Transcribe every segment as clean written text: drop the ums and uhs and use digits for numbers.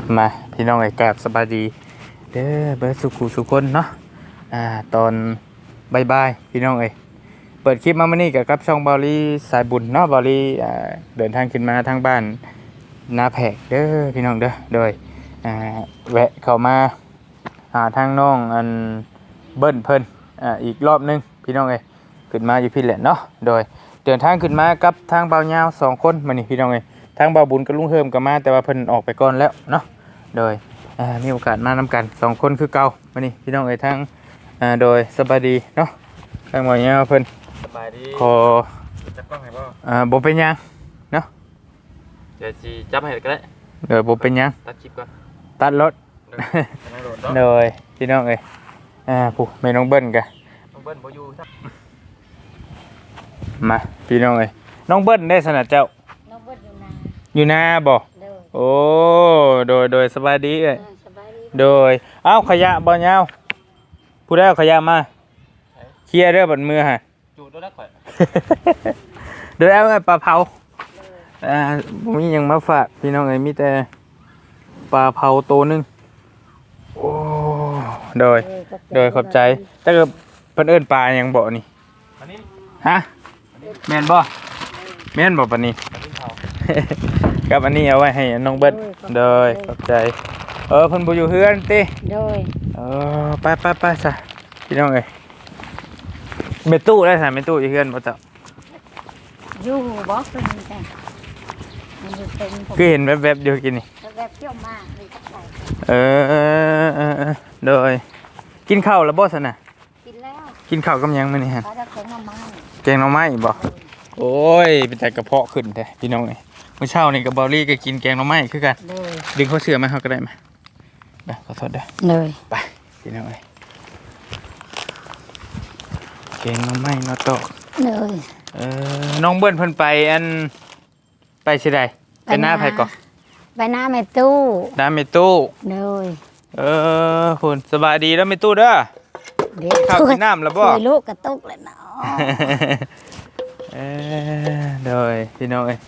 มาพี่น้องไอ้กราบสบายดีเด้อเบิร์ดสุขคนเนาะตอนบ่ายพี่น้องเอ้ยเปิดคลิปมาเมื่อนี้กับช่องบอลลี่สายบุญเนาะบอลลี่เดินทางขึ้นมาทางบ้านนาแพกเด้อพี่น้องเด้อโดยแวะเข้ามาหาทางน้องอันเบิ้ลเพิ่นอีกรอบนึงพี่น้องเอ้ยขึ้นมาอยู่พี่แหละเนาะโดยเดินทางขึ้นมากับทางเบาเงา2 คนมานี่พี่น้องเอ้ยทางเบาบุญกับลุงเฮิมก็มาแต่ว่าเพิ่นออกไปก่อนแล้วเนาะโดยมีโอกาสมานำกัน2 คนคือเก่ามานี่พี่น้องเอ้ยทางโดยสบายดีเนาะทางเบาเงาเพิ่นสบายดีขอจับกล้องให้บ่บ่เป็นหยังเนาะเดี๋ยวสิจับให้ก็ได้บ่เป็นหยังตัดคลิปก่อนตัดรถโดยพี่น้องเอ้ยผู้แม่น้องเบิ้ลกะน้องเบิ้ลบ่อยู่ครับมาพี่น้องเอ้ยน้องเบิ้ลได้สนัดเจ้าน้องเบิ้ลอยู่นาบ่โอ้โดยสบายดีเอ้ยโดยเอ้าขยะบ่ยาวผู้ใดเอาขยะมาเคลียร์เด้อบัดมือฮะจูดแล้วข่อยโดยเอาปลาเผามีหยังมาฝากพี่น้องเอ้ยมีแต่ปลาเผาตัวนึงโอ้โดยขอบใจแต่ก็เพิ่นเอิ้นปลาหยังบ่นี่อันนี้ฮะแม่นบ่ปานนี้กับอันนี้เอาไว้ให้น้องเบิ้ลโดยขอบใจเพิ่นบ่อยู่เฮือนติโดยไปซะพี่น้องเอ้ยเมตู้ได้ซะเมตู้อยู่เฮือนบ่เจ้าอยู่บ่เพิ่นจ้ะมันอยู่เป็นคือเห็นแวบๆอยู่กินนี่แวบๆเที่ยวมาเลยจักไดโดยกินข้าวแล้วบ่ซั่นน่ะกินแล้วกินข้าวกับหยังมื้อนี้ฮะแกงหน่อไม้บ่โอ้ยเป็นแต่กระเพาะขึ้นแท้พี่น้องเอ้ยเมื่อเช้านี่กับบอลลี่ก็กินแกงหน่อไม้คือกันดึงเขาเสือมาเขาก็ได้มาขอโทษเด้อเลยไปพี่น้องเอ้ยแกงหน่อไม้เนาะโตเลยน้องเบิ้ลเพิ่นไปอันไปสิได้ไปหน้าไผก่อนไปหน้าแม่ตู้หน้าแม่ตู้เลยคุณสบายดีแล้วแม่ตู้เด้อข้าวกินน้ำแล้วบ่ลูกกระตุกเลยเนาะโดยพี่น้องเอ้ย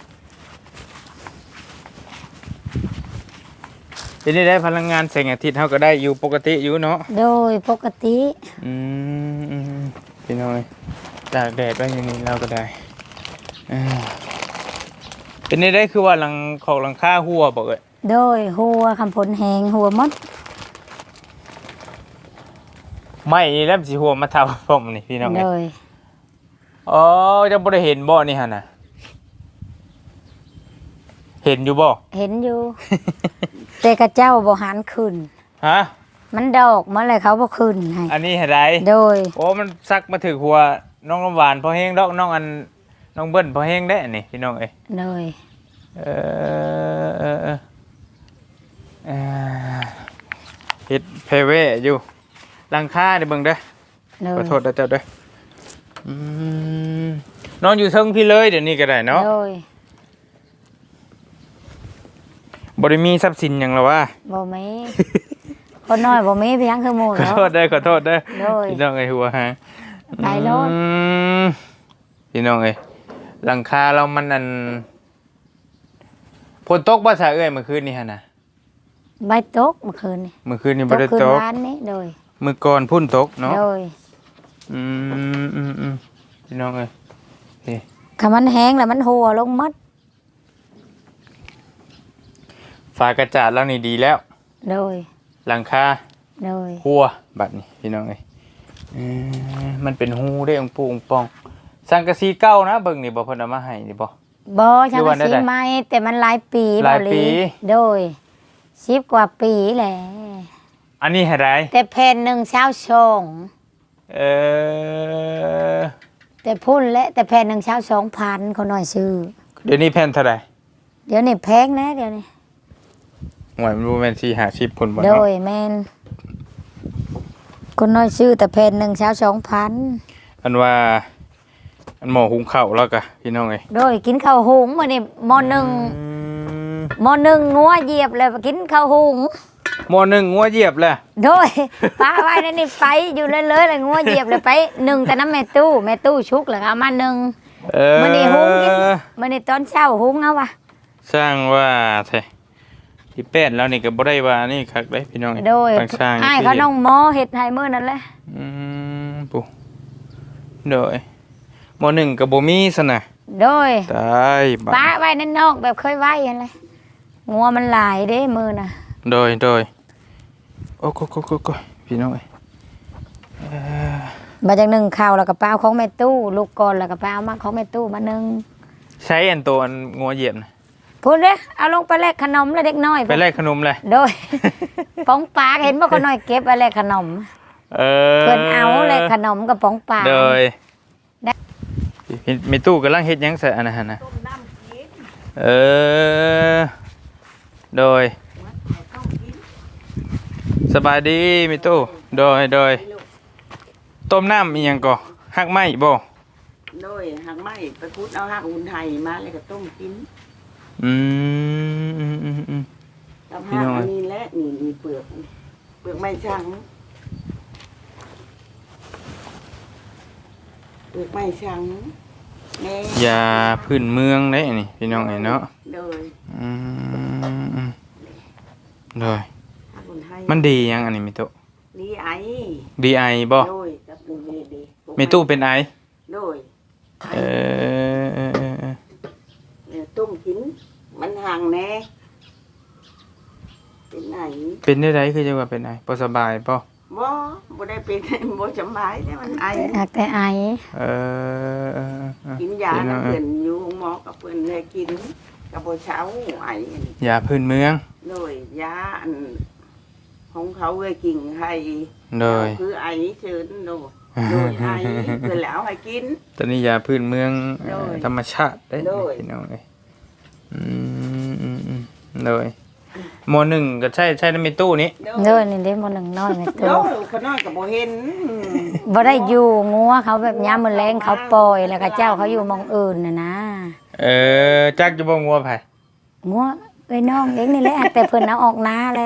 ทีนี้ได้พลังงานแสงอาทิตย์เขาก็ได้อยู่ปกติอยู่เนาะโดยปกติพี่น้องเอ้ยตากแดดไว้อย่างนี้เราก็ได้เป็นได้คือว่าหลังคาหัวบอกเลยโดยหัวคำผลแหงหัวมดไม่แล้วสิหัวมาทำผมนี่พี่น้องเอ้ยจะบ่ได้เห็นบ่นี่ฮะนะเห็นอยู่บ่เห็นอยู่ แต่กระเจ้าบ่หันขึ้นฮะมันดอกมาเลยเขาบ่ขึ้นให้อันนี้เห็นไรโดยมันซักมาถึงหัวน้องน้ำหวานพอแห้งดอกน้องเบิ้ลพอแห้งได้นี่พี่น้องเอ้ยโดยเฮ็ดเพเวอยู่หลังคาเด้เบิ่งเด้อขอโทษเด้อนอนอยู่เทิงพี่เลยเดี๋ยวนี้ก็ได้เนาะบ่ได้มีทรัพย์สินหยังหรอวะบ่มีคนน้อยบ่มีเพียงคือหมู่ขอโทษเด้อพี่น้องเอ้ยหัวหาตายโลดพี่น้องเอ้ยหลังคาเรามันอันฝนตกบ่ซะเอ้ยเมื่อคืนนี้หั่นน่ะบ่ตกเมื่อคืนนี่บ่ได้ตกร้านนี้โดยมื้อก่อนพุ่นตกเนาะโดยพี่น้องเอ้ยถ้ามันแห้งแล้วมันหัวลงมัดฝากระจาดแล้วนี่ดีแล้วโดยหลังคาโดยหัวบัดนี้พี่น้องเอ้ยมันเป็นหูได้องปูองปองสังกะสีเก่านะเบิ่งนี่บ่เพิ่นเอามาให้นี่บ่สังกะสีใหม่แต่มันหลายปีโดย10 กว่าปีแหละอันนี้ให้ได้แต่แผ่นนึงเช้าชงแต่พุ่นและแต่แผ่นนึงเช้า2,000เขาน้อยซื้อเดี๋ยวนี้แผ่นเท่าไหร่เดี๋ยวนี้แพงนะเดี๋ยวนี้หวยมันบ่แม่น4-50พุ่นบ่เนาะโดยแม่นคนน้อยซื้อแต่แผ่นนึงเช้า2,000 อันว่าอันหม้อหุงข้าวแล้วก็พี่น้องเอ้ยโดยกินข้าวหุงมื้อนี้หม้อนึงงัวเหยียบแล้วกินข้าวหุงหม้อนึงงัวเหยียบแล้วโดยป้าไว้นั่นนี่ไปอยู่เลยเลยงัวเหยียบเลยไปนึ่งแต่น้ำแม่ตู้ชุกแล้วเอามานึ่งมื้อนี้หุงกินมื้อนี้ตอนเช้าหุงเอาว่ะสร้างว่าแท้ที่แปดแล้วนี่ก็บ่ได้ว่านี่คักเด้พี่น้องโดยต่างสร้างอ้ายเขาน้องหมอเฮ็ดให้มื้อนั้นแหละปุ๊โดยมหนึ่งก็บ่มีซะนะโดยตายบัดป้าไว้นั่นนอกแบบเคยไว้หั่นแหละงัวมันหลายเด้มื้อน่ะโดยโอ้โกพี่น้องเอ้ยมาจากนึ่งข้าวแล้วก็ไปเอาของแม่ตู้ลูกก่อนแล้วก็ไปเอามาของแม่ตู้มานึ่งใช้อันตัวอันงัวเหยียบนะพูดเด้อเอาลงไปแลกขนมแล้วเด็กน้อยไปแลกขนมเลยโดย ป๋องปลาเห็นว่าคนน้อยเก็บไปแลกขนมเออเพิ่นเอาแลกขนมกับป๋องปลาโดยได้มีตู้กำลังเฮ็ดหยังใส่อันนั้นนะเออโดยสบายดีมีตู้โดยต้มน้ำอีหยังก่อหักไหมบ่โดยหักไม้ไปพุดเอาหักอุ่นไทยมาแล้วก็ต้มกินอืมกับพี่หักน้องอันนี้แหละนี่มีเปลือกไม้ช่างเปลือกไม้ช่างแม่ยาพื้นเมืองได้นี่พี่น้องไอ้เนาะโดยอืมโดยหักอุ่นไทยมันดียังอันนี้มีตู้ดีไอดีไอบ่โดยกับอุ่นเวดีมีตู้เป็นไอโดยเออต้มกินมันห่างแน่เป็นไหนเป็นได้ไรคือจะว่าเป็นไอบ่สบายป่ะบ่ได้เป็น บ่สบายแต่มันไอหักแต่ไอเออกินยากับเพื่อนอยู่หมอกับเพื่อนให้กินกับบ่เช้าไอยาพื้นเมืองโดยยาอันของเขาเลยกิ่งให้โดยคือไอเชิญโดยไอเพื่อแล้วให้กินตอนนี้ยาพื้นเมืองโดยธรรมชาติได้โดยพี่น้องเอ้ยโดยหมอหนึ่งก็ใช่ในมีตู้นี้เด้อนี่เด้บ่หนึ่งน้อยแม่โดตู้ยขน้อยกับบ่เห็นบ่ได้อยู่งัวเขาแบบยามมื้อแลงเขาปล่อยแล้วก็เจ้าเขาอยู่หมองอื่นน่ะนะจักจะบ่งัวไผงัวเอ้ยน้องเองนี่แหละแต่เพิ่นเอาออกนาแล้ว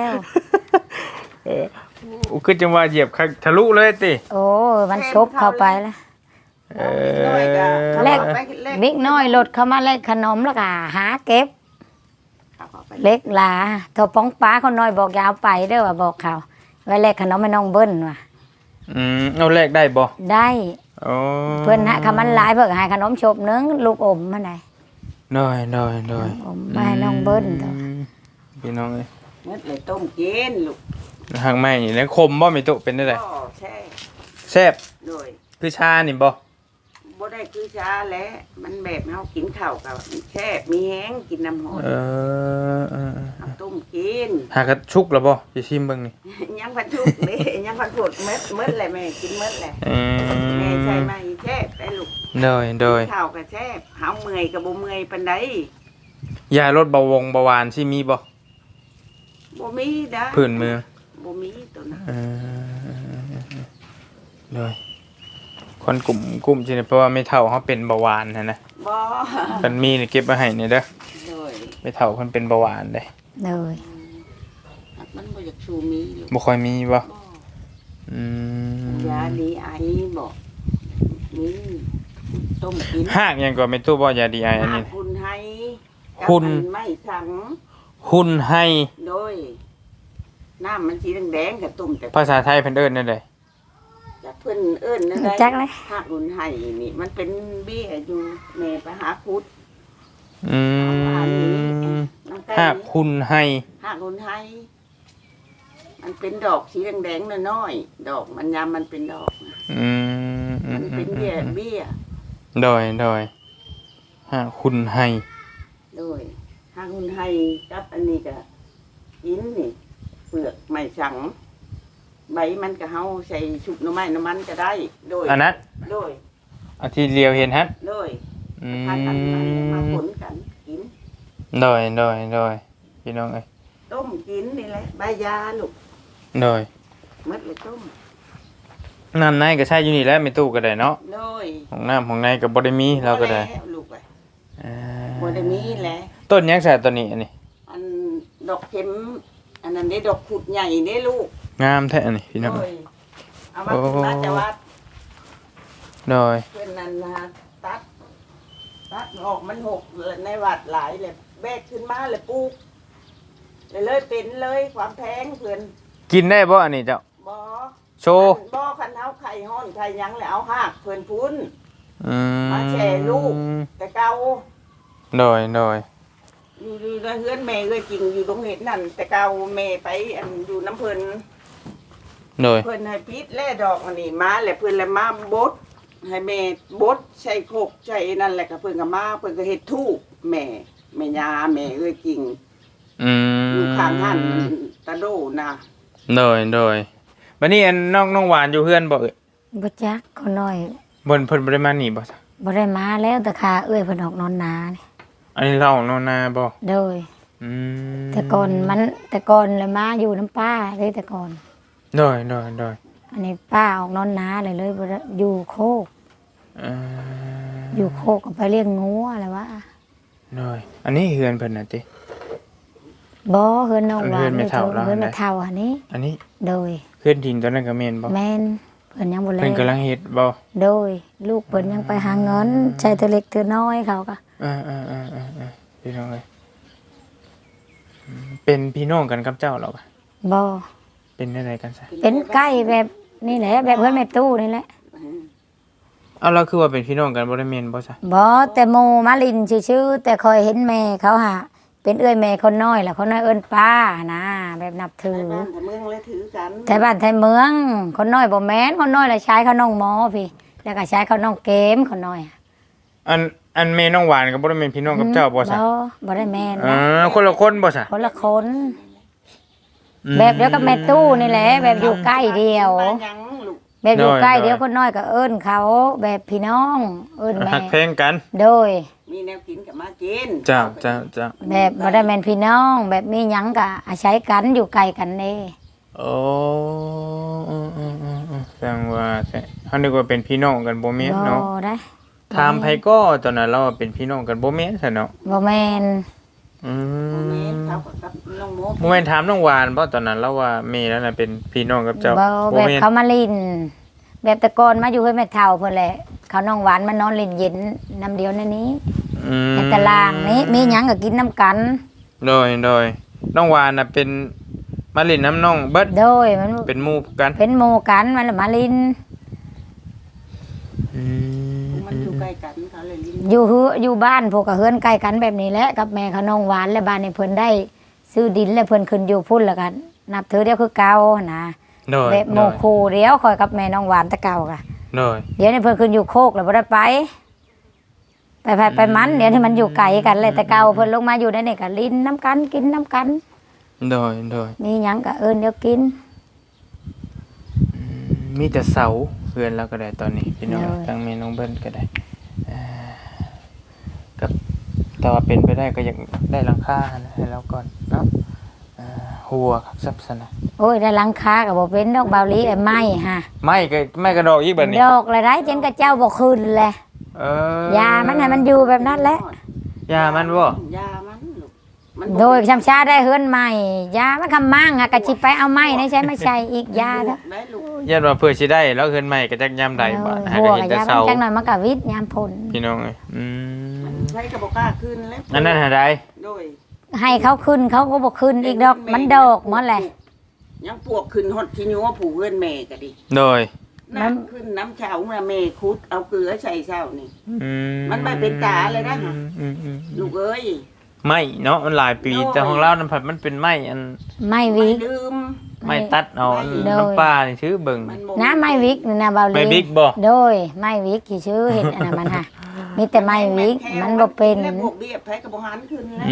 คือจังว่าเหยียบทะลุเลยติโอ้ยมันชบเข้าไปแล้วน้อยก็แลกไปแลกเล็กน้อยรถเข้ามาแลกขนมแล้วก็หาเก็บเอาไปเล็กหลาถ้าป้องป้าคนน้อยบอกอย่าเอาไปเด้อว่าบอกเขาไว้แลกขนมให้น้องเบิ้นว่ะเอาแลกได้บ่ได้อ๋อเพิ่นหาคำมันหลายเพิ่นก็ให้ขนมชบนึงลูกอมมาได้โดยอมมาให้น้องเบิ้นเถอะพี่น้องเอ้ยเม็ดเลยต้มกินลูกหางไม้นี่แล้วคมบ่มีตู้เป็นได้ไดก็แช่แซ่บโดยคือชานี่บ่บ่ได้คือช้าแล้วมันแบบเฮากินข้าวกับแช่มีแห้งกินน้ำหอมเออเอาต้มกินหากระชุกแล้วบ่สิชิมเบิ่งนี่ยังพันทุกเลย ยังพันผดเม็ดเลยแม่กินเม็ดเลยเอแม่ใช่อไหมแช่ได้ลูกโดยข้าวกับแช่เฮาเมื่อยกับบ่เมื่อยปานใดยาลดเบาหวานที่มีบ่บ่มีด้าพื้นเมืองบ่มีตัวนั้นเออโดยคนกลุ่มสิเพราะว่าไม่เท่าเขาเป็นเบาหวานนะบ่มันมีนี่เก็บไว้ให้นี่เด้อโดยไม่เท่าคนเป็นเบาหวานเด้เลยมันบ่อยากชูมีลูกบ่ค่อยมีบ่บ่อืมยาดีไอบ่มีต้มกินหากหยังก็ไม่ตู้บ่ยาดีไออันนี้หุ่นให้กับหุ่นอัไม่สังหุ่นให้โดยน้ำมันสีแดงๆกับต้มแต่ภาษาไทยเพิ่นเอิ้นนั่นใดจากเพิ่นเอิ้นนั่นได้จักเลยหักหุ่นให้นี่มันเป็นเบี้ยอยู่แม่ไปหาคุดอืมน้ำไก่หากหุ่นให้หักหุ่นให้มันเป็นดอกสีแดงๆน้อยๆดอกมันยามมันเป็นดอกอืมมันเป็นเบี้ยโดยหากหุ่นให้โดยหักหุ่นให้กับอันนี้ก็กินนี่เปลือกไม่สังใบมันก็เฮาใส่ชุบหน่อไม้น้ำมันก็ได้ โดยอันนั้นโดยอันที่เลียวเห็นฮะโดยอืพากันมาผมลกันกินโดยพี่น้องเอ้ยต้มกินนี่แหละใบยาลูกโดยมัดเลยต้มน้ำในก็ใช้อยู่นี่แหล้วไม่ตู้ก็ได้เนาะโดยของในก็บ่ได้มีเราก็ได้พอแล้วลูกไปอ่าบ่ได้มีแหละต้นยังใส่ตัวนี้อันนี้อันดอกเข็มอันนั้นได้ดอกขุดใหญ่ได้ลูกงามแท้อันนี้พี่น้องโดเอ้ยยเอามาขึ้นมาแต่ว่าโดยเพื่อนนั้นนะตัดออกมันหกเลยในวัดหลายเลยแบกขึ้นมาเลยปลูกเลยเป็นเลยความแพงเพิ่นกินได้บ่อันนี้เจ้าบ่โชว์บ่คันเฮาไข่ฮ้อนไข่หยังแล้วเอาหากเพิ่นพุ้นอืมมาแช่ลูก แต่เก่าโดยอยู่ในเฮือนแม่เอ้ยจริงอยู่ตรงเฮ็ดนั่นแต่เก่าแม่ไปอันอยู่น้ำเพิ่นโดยเพิ่นให้ปิดแล่ดอกอันนี้มาแล้วเพิ่นเลยมาบดให้แม่บดใส่โคกใส่นั่นแหละก็เพิ่นก็มาเพิ่นก็เฮ็ดทูบแม่ยาแม่เอ้ยจริงอืมอยู่ข้างหันตะโดนะโดยบัดนี้อันน้องหวานอยู่เฮือนบ่เอ้ยบ่จักคนน้อยเพิ่นบ่ได้มานี่บ่ซะบ่ได้มาแล้วแต่ขาเอ้ยเพิ่นออกนอนนานี่อันนี้เราของน้องนาบ่โดยอืมแต่ก่อนเลยมาอยู่น้ำป้าเลยแต่ก่อนโดยอันนี้ป้าออกนอนนาเลยบ่ได้อยู่โคกเอ่ออยู่โคกก็ไปเลี้ยงงูอะไรวะโดยอันนี้เฮือนเพิ่นน่ะติบ่เฮือนน้องหวานเฮือนแม่เฒ่าเราเฮือนแม่เฒ่าอันนี้อันนี้โดยเฮือนดินตอนนั้นก็แม่นบ่แม่นเพิ่นยังบ่แลเพิ่นกำลังเฮ็ดบ่โดย ลูกเพิ่นยังไปหาเงินใช้เท่าเล็กเท่าน้อยเขาก็พี่น้องเอ้ยเป็นพี่น้องกันกับเจ้าเหรอปะบ่เป็นอะไรกันซะเป็นใกล้แบบนี่แหละแบบเพื่อนแม่ตู้นี่แหละเอาเราคือว่าเป็นพี่น้องกันบ่ได้แม่นบ่ซะบ่แต่โมมาลินชื่อๆแต่คอยเห็นแม่เขาหาเป็นเอื้อยแม่คนน้อยแหละคนน้อยเอิ้นป้านะแบบนับถือไทยบ้านแต่เมืองเลยถือกันแต่บ้านไทยเมือง คนน้อยบ่แม่นคนน้อยละใช้เขาน้องหมอพี่แล้วก็ใช้เขาน้องเกมคนน้อยอันแม่น้องหวานก็บ่ได้เป็นพี่น้องกับเจ้าบ่ซะบ่ได้แม่นอ๋นะอคนละคนบ่ซะคนละคน แบบเดียวกับแม่ตู้นี่แหละแบบอยู่ใกล้เดียวบ้านหยังลูกแบบอยู่ใกล้เดียวคนน้อยก็เอิ้นเขาแบบพี่น้องเอิ้นแม่หักแพงกันโดยมีแนวกินกับมากินเจ้าแบบบ่ได้แม่นพี่น้อง แบบมีหยังก็อาศัยกันอยู่ไกลกันเด้โอ้แสดงว่าเฮานึกว่าเป็นพี่น้องกันบ่แม่นบ่เนาะได้ถามไผก็ตอนนั้นเราเป็นพี่น้องกันบ่แม่นซะเนาะบ่แม่นอืบ่แม่นมเขากับน้องโมบ่แม่นถามน้องหวานบ่ตอนนั้นเราว่าแม่นั่นน่ะเป็นพี่น้องกับเจ้าบ่แบบแม่นเขามาลิน แบบแต่ก่อนมาอยู่ให้แม่เฒ่าเพิ่นแหละเขาน้องหวานมานอนเล่นเย็นน้ำเดียวในนี้อืมในตารางนี้มีหยังก็กินน้ำกันโดยน้องหวานน่ะเป็นมาเล่นน้ำน้องเบิดโดยมันเป็นหมู่กันเป็นหมู่กันมันละมาลินมันอยู่ใกล้กันเขาเลยลิ้นอยู่บ้านพวกก็เฮือนใกล้กันแบบนี้แหละกับแม่เขาน้องหวานและบ้านนี้เพิ่นได้ซื้อดินแล้วเพิ่นขึ้นอยู่พุ่นแล้วกันนับถือเดียวคือเก่านะโดยแบบโมคูเดียวคอยกับแม่น้องหวานแตะเก่าค่ะโดยเดี๋ยวนี้เพิ่นขึ้นอยู่โคกแล้วบ่ได้ไปมันเดี๋ยวนี้มันอยู่ไกลกันเลยแต่เก่าเพิ่นลงมาอยู่ในนี่ก็ลิ้นน้ำกันกินน้ำกันโดยมีหยังก็เอิ้นเดี๋ยวกินมีแต่เสาเพื่อนแล้วก็ได้ตอนนี้พี่น้องโดยทางแม่น้องเบิ้ลก็ได้กับแต่ว่าเป็นไปได้ก็อยากได้หลังคานะให้เราก่อนเนาะหัวครับซับซะนะโอ้ยได้หลังคาก็บ่เป็นดอกเบาหลีไอ้ไม้ฮะไม่กระดอกอีกแบบนี้ดอกละได้เจนกระเจ้าบ่ขึ้นแหละ ยามันให้มันอยู่แบบนั้นแหละยามันบ่ยามันลูกมันโดยชำชาได้เฮือนใหม่ยามันคำมั่งอะกะสิไปเอาไม้นี่ใช้ไม่ใช่อีกยาเด้อได้ลูกยันว่าเพื่อสิได้แล้วเฮือนใหม่ก็จักยามใดบ่หาหัก็วเห็นกับแต่ยาเสามันจังหน่อยมันก็วิทย์ยามผลพี่น้องเอ้ยใช้กระบอกกล้าขึ้นแล้วอันนั้นหาได้โดยให้เขาขึ้นเขาก็บ่ขึ้นอีกดอกมันดอกหมดแหละยังปวกขึ้นฮอดที่ยัวผูกเอื้อนแม่ก็ดิโดยน้ำขึ้นน้ำเช้าน่ะแม่คุดเอาเกลือใส่เช้านี่อืมันไม่เป็นตาเลยนะฮะ ลูกเอ้ยไม่เนาะมันหลายปีโดยแต่ของเรานั้นผัดมันเป็นไม้อันไม่ไม่วิกลืมไม้ตัดเอาอันโดยน้ำปลานี่ชื่อเบิ่งมันบ่นะไม่วิกนี่นะเบาหลีไม่บิ๊กบ่โดยไม่วิกที่ชื่อเห็นอันนั้นมันฮะมีแต่ไม่วิกมันบ่เป็นแล้วพวกเบี้ยแพ้กระบอกหันขึ้นแล้ว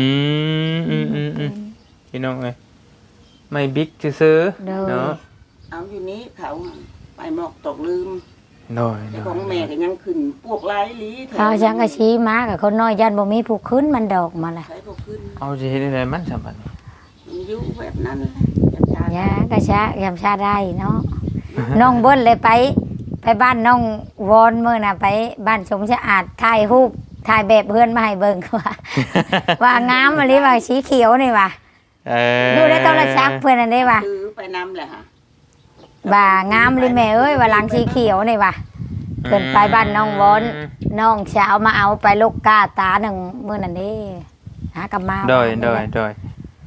พี่น้องเอ้ยไม่บิ๊กซื้อโดยเนาะเอาอยู่นี้เขาไปหมอกตกลืมโดยแต่ของแม่ก็ยังขึ้นพวกลายลีแถวเขาช่างกะชี้มากับคนน้อยยันบ่มีผู้ขึ้นมันดอกมาละใช้พวกขึ้นเอาสิเฮ็ดได้มันสำบัดนี้มันอยู่แบบนั้นแหละยามยากะชะยามชาได้เนาะน้องเบิ้ลเลยไปบ้านน้องวอนมื้อน่ะไปบ้านสมสะอาดถ่ายรูปถ่ายแบบเพื่อนมาให้เบิ่งว่างามอันนี้ว่าสีเขียวนี่ว่ะ ดูในโทรศัพท์เพื่อนอันนี้ว่ะถือไปนำแหละฮะว่างามเลยแม่เอ้ยว่าหลังสีเขียวนี่ว่ะเพิ่นไปบ้านน้องวอนน้องสาวมาเอาไปลูกกาตาหนึ่งมื้อนั้นเด้หากลับมาโดย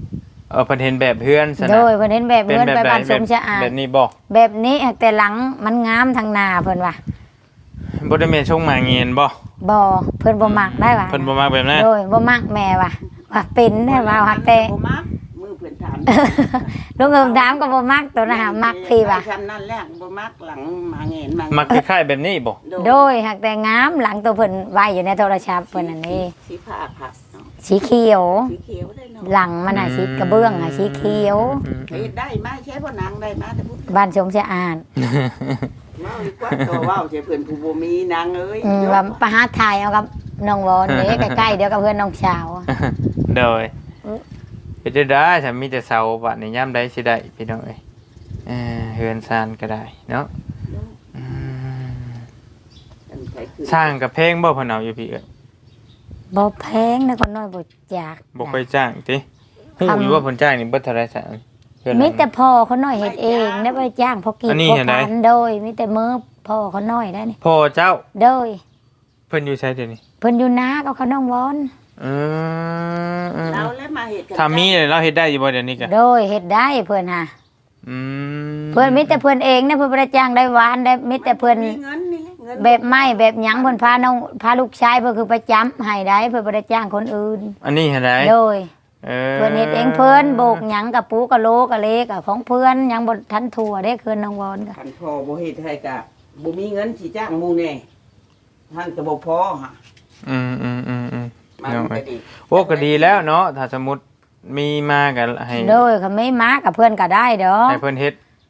เพิ่นเห็นแบบเฮือนซะนะโดยเพิ่นเห็นแบบเฮือนไปบ้านสมสะอาดแบบนี้บ่แบบนี้แต่หลังมันงามทางหน้าเพิ่นว่าบ่ได้แม่นชงหมาเงียนบ่บ่เพิ่นบ่มักได้ว่าเพิ่นบ่มักแบบนั้นโดยบ่มักแม่ว่าเป็นได้ว่าหักแต่บ่มักมือเพิ่นถามลุงเอิมถามก็บ่มักตัวนะหามักพี่ว่าทำนั่นแหละบ่มักหลังมาเงินมามักคล้ายๆแบบนี้บ่โดยหักแต่งามหลังตัวเพิ่นไว้อยู่ในโทรศัพท์เพิ่นอันนี้สีผ้าผักเนาะสีเขียวสีเขียวได้เนาะหลังมันน่ะสีกระเบื้องอ่ะสีเขียวเฮ็ดได้มาใช้พ่อนางได้มาแต่พูดบ้านสมสะอาดเว้าดีกว่าตัวเว้าใช่เพิ่นผู้บ่มีนางเอ้ยว่าไปหาถ่ายเอากับน้องวอนเด้ใกล้ๆเดียวกับเพื่อนน้องสาวโดยเป็นได้ฉันมีแต่เสาบัดนี้ยามใดสิได้พี่น้องเอ้ยเฮือนซานก็ได้เนาะอืมสร้างกับเพลงบ่เพิ่นเอาอยู่พี่เอ้ยบ่แพงนะคนน้อยบ่อยากบ่ค่อยจ้างติฮู้อยู่ว่าเพิ่นจ้างนี่เบิดเท่าไหร่ซะเฮือนหลังมีนี้แต่พ่อเขาน้อยเฮ็ดเองได้บ่จ้างพอกินอันนี้พอเห็นไหมทานโดยมีแต่มือพ่อเขาน้อยได้นี่พ่อเจ้าโดยเพิ่นอยู่ไสเดี๋ยวนี้เพิ่นอยู่นากับเขาน้องวอนเราแล้วมาเฮ็ดกันถ้ามีเนี่ยเราเฮ็ดได้อยู่บ่เดี๋ยวนี้กะโดยเฮ็ดได้เพิ่นหาอืมเพิ่นมีแต่เพิ่นเองนะเพิ่นบ่ได้จ้างได้หวานได้มีแต่เพิ่นมีเงินนี่แหละเงินแบบไม้แบบหยังเพิ่นพาน้องพาลูกชายเพิ่นคือประจำให้ได้เพิ่นบ่ได้จ้างคนอื่นอันนี้เฮ็ดได้โดยเออเพิ่นเฮ็ดเองเพิ่นโบกหยังกับปูกับโลกับเล็กกับของเพิ่นหยังบ่ทันทั่วเด้คืนน้องวอนก็คันพ่อบ่เฮ็ดให้กะบ่มีเงินสิจ้างหมู่แน่ท่านก็บ่พอฮะอืมมันเอาไว้ก็ดีโอ้ก็ดีแล้วเนาะถ้าสมมุติมีมาก็ให้โดยเขาไม่มากับเพื่อนก็ได้ดอกให้เพิ่นเฮ็ด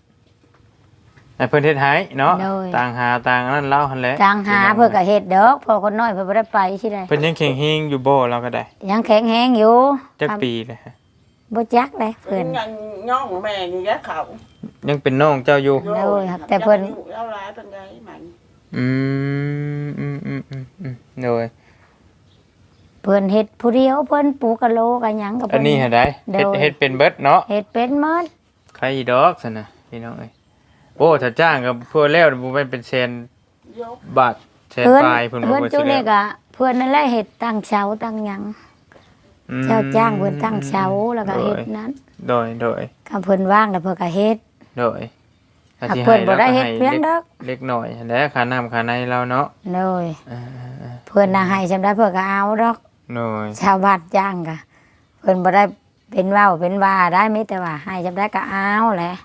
ให้เนาะโดยต่างหาต่างนั่นเล่าหั่นแหละจางหาเพื่อก็เฮ็ดดอกพอคนน้อยเพิ่นบ่ได้ไปสิได้เพิ่นยังแข็งแรงอยู่บ่เราก็ได้ยังแข็งแรงอยู่จักปีเลยฮะบ่จักได้เพิ่นยังย่องแม่นี่แหละเขายังเป็นน้องเจ้าอยู่โอ้ยครับแต่เพิ่นเอาหลายปานใดมันอืมโดยเพิ่นเฮ็ดผู้เดียวเพิ่นปูกับโลกับหยังกับอัเพิ่นนนี้เฮ็ดได้โดยเฮ็ดเป็นเบิดเนาะเฮ็ดเป็นหมดใครอีดอกซั่นน่ะพี่น้องเอ้ยโอ้ถ้าจ้างก็เพื่อแล้วบ่แม่นเป็นแสนยกบาทแสนเพิ่นปลายเพิ่นบ่เพิ่นว่าจุสินี่แล้วก็เพิ่นนั่นแหละเฮ็ดตั้งเสาตั้งหยังอืมเจ้าจ้างเพิ่นตั้งเสาแล้วก็เฮ็ดนั้นโดยก็เพิ่นว่างแล้วเพิ่นก็เฮ็ดโดยถ้าหากสิเพิ่นบ่ได้ราก็เฮ็ดเพียงดอกเล็กหน่อยหั่นแหละค่าน้ำค่าในเราเนาะโดยอ่าเพิ่นน่ะให้จำได้เพิ่นก็เอาดอกๆโดยชาวบ้านจ้างก็เพิ่นบ่ได้เป็นเว้าเป็นว่าได้มีแต่ว่าให้จำได้ก็เอาแหละ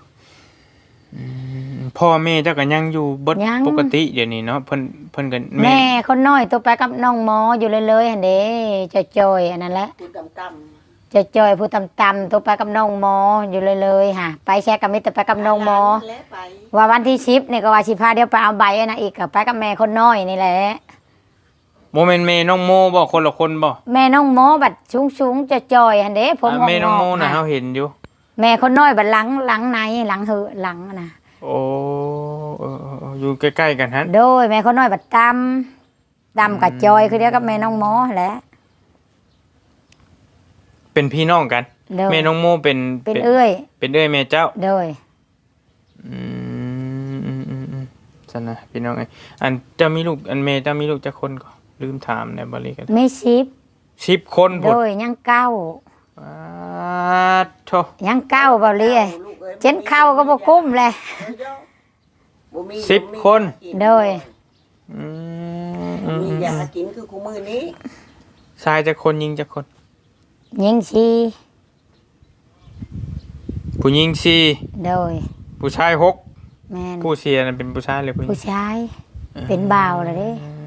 พ่อแม่เจ้าก็ยังอยู่เบิดยังปกติเดี๋ยวนี้เนาะเพิ่นก็แม่คนน้อยตัวไปกับน้องหมออยู่เลยๆหั่นเด้จอยๆอันนั้นแหละคุณกำจอยๆผู้ต่ำๆตัวไปกับน้องหมออยู่เลยๆค่ะไปแชร์กับมิตรไปกับน้องหมอแล้วไปว่าวันที่10นี่ก็ว่าสิพาเดี๋ยวไปเอาใบอันนะอีกก็ไปกับแม่คนน้อยนี่แหละโมเมนต์แม่น้องโมบ่คนละคนบ่แม่น้องหมอบัดสูงๆจอยๆหั่นเด้ผมแม่น้องโมน่ะค่ะเฮาเห็นอยู่แม่คนน้อยบัดหลังในหลังหือหลังน่ะโอ้อยู่ใกล้ๆกันฮะโดยแม่คนน้อยบัดตำกับจอยคือเดียวกับแม่น้องหมอแหละเป็นพี่น้องกันโดยแม่น้องโมเป็นเป็นเอ้ยเป็นเอ้ยแม่เจ้าโดยอืมซั่นน่ะพี่น้องเอ้ยอันเจะมีลูกอันแม่เจ้ามีลูกจักคนก็ลืมถามในบ่เลยกันไม่ 10คนโดพุ่นยยังเก้าโธยังเก้าบ่เลียเจนเข้าก็บ่กุ้มเลย 10คนโดยอืมมีอยากกินคือคู่มือนี้ชายจักคนหญิงจักคนยิงชีผู้หญิง4 โดยผู้ชาย6 แม่นผู้เสียนั้นเป็นผู้ชายหรือผู้หญิผู้งชาย เป็นบ่าวเลยเด้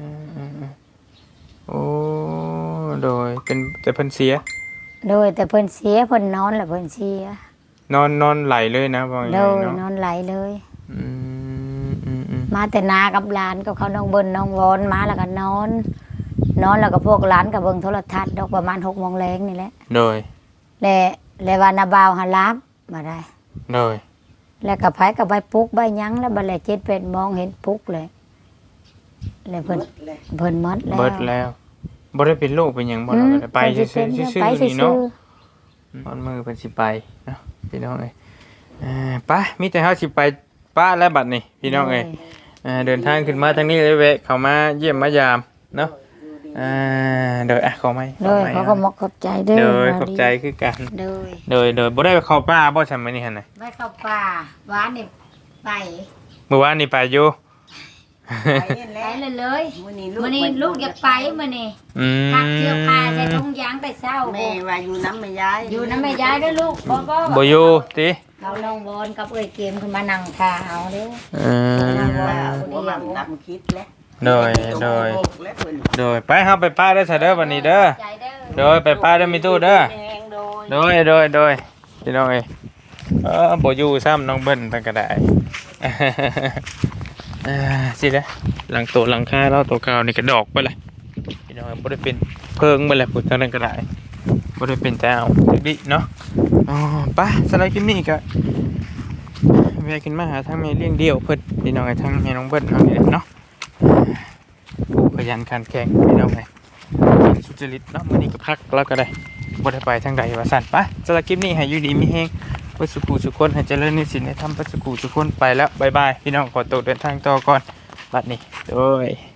โอ้โดยเป็นแต่เพิ่นเสียโดยแต่เพิ่นเสียเพิ่นนอนแล้วเพิ่นเสียนอนไหลเลยนะว่าอย่างโดไรยนเนาะอนไหลเลยอืมมาแต่นากับหลานกับเขาน้องเบิ้นน้องวอนมาแล้วก็นอน นอนแล้วก็พวกหลานก็เบิ่งโทรทัศน์ดอกประมาณ6 โมงแลงนี่แหละโดยและว่านาบ่าวหารับมาได้โดยแล้วก็ไผก็ไปปลุกใบหยังแล้วบัดแล7-8 โมงเห็นปลุกเลยแล้วเพิ่นเลยเพิ่นหมดแล้วเบิดแล้วบ่ได้เป็นโรคเป็นหยังบ่เราก็ได้ไปซื่อๆไปนี่ซื่เนาะอตอนมือเพิ่นสิไปเนาะพี่น้องเอ้ยไปมีแต่เฮาสิไปป้าและบัดนี้พี่น้องเอ้ยเดินทางขึ้นมาทางนี้เลยแวะเข้ามาเยี่ยมมายามเนาะโดยขอไหมโดยเขาก็มกขอบใจเด้อโดยขอบใจคือกันโดยโดยบ่ได้เข้าป่าบ่ซั่นมื้อนี้หั่นน่ะไม่เข้าป่าหวานนี่ไปเมื่อวานนี่ไปอยู่ไปนี่แหไปละเลยมื้อนี้มื้อนี้ลูกอยากไปมื้อนี้อืมพักเที่ยวพาใส่ถุงยางแต่เช้าแม่ว่าอยู่น้ำแม่ยายอยู่น้ำแม่ยายด้วยลูกบ่บ่อยู่ติเราน้องบอลกับเอ้ยเกมขึ้นมานั่งคาเอาเด้อว่าหัวมันดำคิดแล้วโดยแล้วเพิ่นโดยไปเฮาไปป้าเด้อซะเด้อวันนี้เด้อใจเด้อโดยไปป้าเด้อมีตู้เด้อแดงโดยโดยพี่น้องเอ้ยบ่อยู่ซ้ำน้องเบิ้ลเพิ่นก็ได้ สิเด้อหลังโตะหลังคาเราตัวเก่านี่ก็ดอกไปเลยพี่น้องบ่ได้เป็นเพิงไปเลยพุ่นทางนั้นก็ได้บ่ได้เป็นแต่เอาตึกดิเนาะอ๋อไปสำหรับคลิปนี้ก็แวะขึ้นมาหาทางแม่เลี้ยงเดี่ยวเพิ่นพี่น้องไอ้ทางแม่น้องเบิ้ลเอานี่แหละเนาะผู้ขยันขันแข็งพี่น้องเอ้ยเป็นสุจริตเนาะมื้อนี้ก็พักแล้วก็ได้บ่ได้ไปทางใดว่าซั่นไปสำหรับคลิปนี้ให้อยู่ดีมีแฮงเพื่อสุขุสุขคนให้เจริญในศีลในธรรมเพื่อสุขุสุขคนไปแล้วบ๊ายบายพี่น้องขอตัวเดินทางต่อก่อนบัดนี้โดย